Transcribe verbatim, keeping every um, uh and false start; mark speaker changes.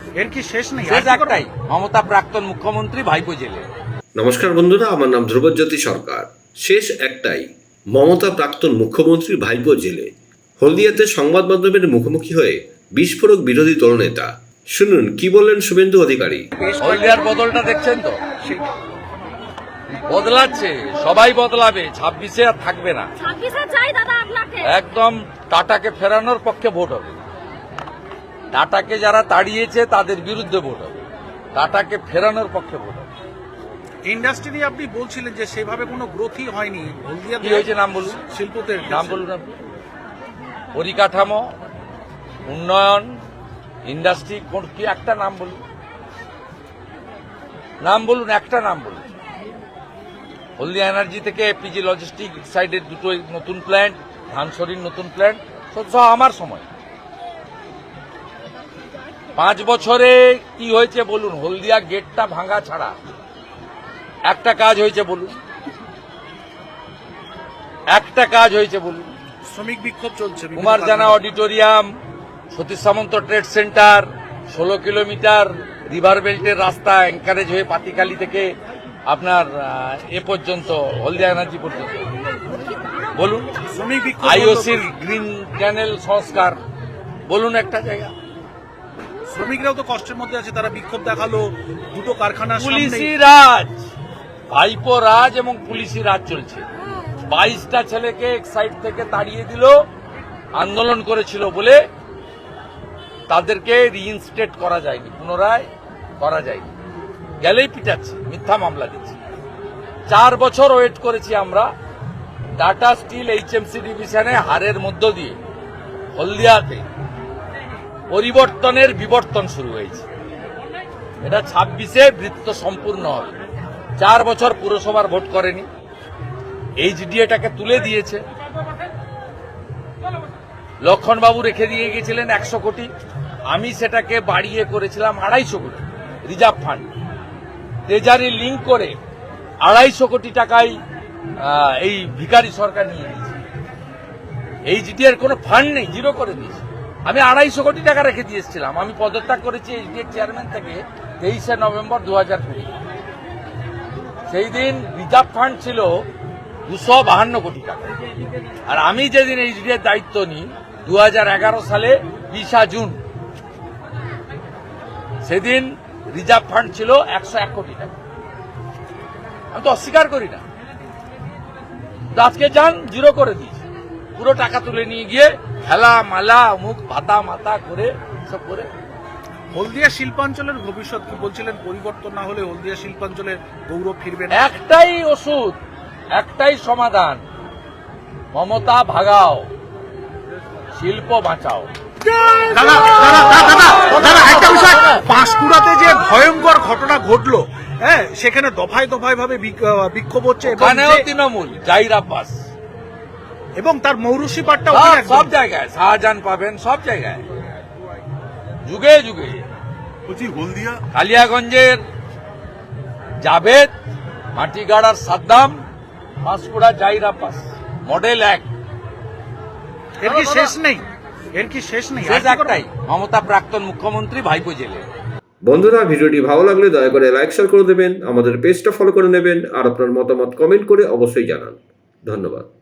Speaker 1: এর কি শেষ নেই?
Speaker 2: শেষ একটাই, মমতা প্রাক্তন মুখ্যমন্ত্রী ভাইপো জেলে।
Speaker 3: নমস্কার বন্ধুরা, আমার নাম ধ্রুবজ্যোতি সরকার। শেষ একটাই, মমতা প্রাক্তন মুখ্যমন্ত্রী ভাইপো জেলে। হলদিয়াতে সংবাদ মাধ্যমের মুখোমুখি হয়ে বিস্ফোরক বিরোধী দলনেতা। শুনুন কি বললেন শুভেন্দু অধিকারী।
Speaker 2: হলদিয়ার বদলটা দেখছেন তো, বদলাচ্ছে, সবাই বদলাবে, ছাব্বিশে আর থাকবে না। একদম টাটাকে ফেরানোর পক্ষে ভোট হবে। টাটাকে যারা তাড়িয়েছে তাদের বিরুদ্ধে ভোট হবে, টাটাকে ফেরানোর পক্ষে ভোট হবে।
Speaker 1: ইন্ডাস্ট্রি নিয়ে আপনি বলছিলেন যে সেভাবে কোনো গ্রোথই হয়নি হলদিয়াতে।
Speaker 2: কি হয়েছে নাম বলুন,
Speaker 1: শিল্পতে
Speaker 2: নাম বলুন আপনি। পরিকাঠামো, উন্নয়ন, ইন্ডাস্ট্রি, কোন কি একটা নাম বলুন, নাম বলুন, একটা নাম বলুন। হলদিয়া এনার্জি থেকে পিজি লজিস্টিক সাইডের দুটো নতুন প্ল্যান্ট, ধানসরির নতুন প্ল্যান্ট, সব আমার সময়। পাঁচ বছরে কি হয়েছে বলুন? হলদিয়া গেটটা ভাঙা ছাড়া একটা কাজ হয়েছে বলুন, একটা কাজ হয়েছে বলুন।
Speaker 1: শ্রমিক বিক্ষোভ চলছে,
Speaker 2: Kumar Jana auditorium, Satish Samanta trade centre, ষোলো কিলোমিটার রিভার বেল্টের রাস্তা এনকারেজ হয়ে পাতিখালি থেকে আপনার এ পর্যন্ত হলদিয়া এনার্জি পর্যন্ত বলুন।
Speaker 1: শ্রমিক বিক্ষোভ,
Speaker 2: আইওসির গ্রিন চ্যানেল সংস্কার বলুন, একটা জায়গা।
Speaker 1: শ্রমিকরাও তো কষ্টের মধ্যে আছে, তারা বিক্ষোভ দেখালো দুটো কারখানা।
Speaker 2: পুলিশি রাজ, ভাইপো রাজ এবং পুলিশি রাজ চলছে। বাইশটা ছেলেকে এক সাইড থেকে তাড়িয়ে দিল, আন্দোলন করেছিল বলে তাদেরকে রিইনস্টেট করা যায়নি, পুনরায় করা যায়নি, গেলেই পিটাচ্ছে, মিথ্যা মামলা দিচ্ছে। চার বছর ওয়েট করেছি আমরা। টাটা স্টিল এইচএমসি ডিভিশনে হারের মধ্য দিয়ে হলদিয়াতে পরিবর্তনের বিবর্তন শুরু হয়েছে। এটা ছাব্বিশে বৃত্ত সম্পূর্ণ হবে। চার বছর পুরসভার ভোট করেনি, এইচডিএটাকে তুলে দিয়েছে। লক্ষণবাবু রেখে দিয়ে গিয়েছিলেন একশো কোটি, আমি সেটাকে বাড়িয়ে করেছিলাম আড়াইশো কোটি রিজার্ভ ফান্ড। ট্রেজারি লিঙ্ক করে আড়াইশো কোটি টাকায় এই ভিখারি সরকার নিয়ে নিয়েছে। এইচডিএর কোনো ফান্ড নেই, জিরো করে দিয়েছে। আমি আড়াইশো কোটি টাকা রেখে দিয়েছিলাম। আমি পদত্যাগ করেছি এইচডিএর চেয়ারম্যান থেকে তেইশে নভেম্বর দু হাজার কুড়ি। সেই দিন রিজার্ভ ফান্ড ছিল দুশো বাহান্ন কোটি টাকা। আর আমি যেদিন এইচডিএর দায়িত্ব নিই দু হাজার এগারো সালে বিশা জুন, সেদিন রিজার্ভ ফান্ড ছিল একশো এক কোটি টাকা। আমি তো অস্বীকার করি না, আজকে যান জিরো করে দিয়েছে, পুরো টাকা তুলে নিয়ে গিয়ে খেলা মালা মুখ ভাতা মাতা করে সব করে।
Speaker 1: হলদিয়া শিল্পাঞ্চলের ভবিষ্যৎ কি বলছিলেন? পরিবর্তন না হলে হলদিয়া শিল্পাঞ্চলের গৌরব ফিরবে না।
Speaker 2: একটাই ওষুধ, একটাই সমাধান, মমতা ভাগাও, শিল্প বাঁচাও।
Speaker 1: দাদা দাদা দাদা দাদা একটা বিষয়, পাঁশকুড়াতে যে ভয়ঙ্কর ঘটনা ঘটলো, হ্যাঁ, সেখানে দফায় দফায় ভাবে বিক্ষোভ হচ্ছে,
Speaker 2: এখানেও তৃণমূল, জাহির আব্বাস
Speaker 1: এবং তার মৌরুসি পাটটা
Speaker 2: সব জায়গায়, শাহজাহান পাবেন সব জায়গায়, যুগে যুগে।
Speaker 1: হলদিয়া
Speaker 2: কালিয়াগঞ্জের জাভেদ, মাটিগাড়ার সাদ্দাম, পাঁশকুড়া জাহির আব্বাস, মডেল এক।
Speaker 1: এর কি শেষ নেই? এর কি শেষ নেই?
Speaker 2: শেষ একটাই, মমতা প্রাক্তন মুখ্যমন্ত্রী ভাইপো জেলে।
Speaker 3: বন্ধুরা, ভিডিওটি ভালো লাগলে দয়া করে লাইক শেয়ার করে দেবেন, আমাদের পেজটা ফলো করে নেবেন, আর আপনার মতামত কমেন্ট করে অবশ্যই জানান। ধন্যবাদ।